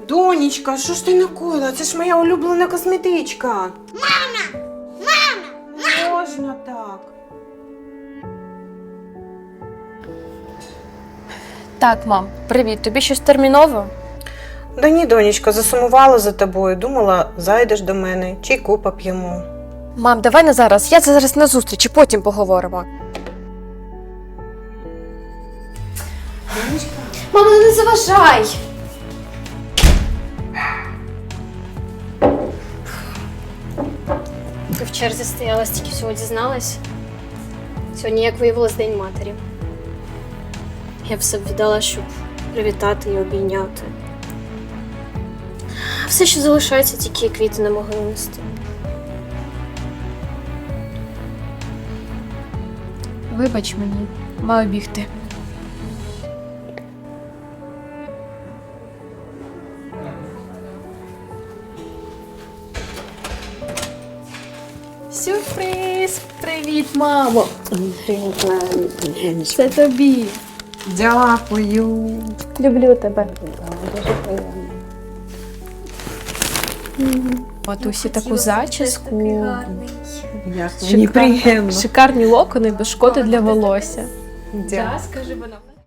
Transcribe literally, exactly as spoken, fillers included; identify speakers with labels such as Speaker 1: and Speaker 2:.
Speaker 1: Донечка, що ж ти накоїла? Це ж моя улюблена косметичка.
Speaker 2: Мама! Мама!
Speaker 1: Не можна так.
Speaker 3: Так, мам, привіт. Тобі щось терміново?
Speaker 1: Да ні, донечка, засумувала за тобою. Думала, зайдеш до мене, чайку поп'ємо.
Speaker 3: Мам, давай не зараз. Я це зараз на зустрічі, потім поговоримо.
Speaker 1: Донечка.
Speaker 3: Мама, не заважай!
Speaker 4: Ти в черзі стояла, стільки всього дізналась. Сьогодні, як виявилось, День матері. Я все б віддала, щоб привітати і обійняти. Все, що залишається, тільки квіти не могли нести.
Speaker 3: Вибач мені, маю бігти. Сюрприз! Привіт, мамо! Це тобі.
Speaker 1: Дякую.
Speaker 3: Люблю тебе. Матусі таку зачіску.
Speaker 1: Мені приємно.
Speaker 3: Шикарні локони без шкоди для волосся.
Speaker 1: Дякую.
Speaker 3: Скажи вона.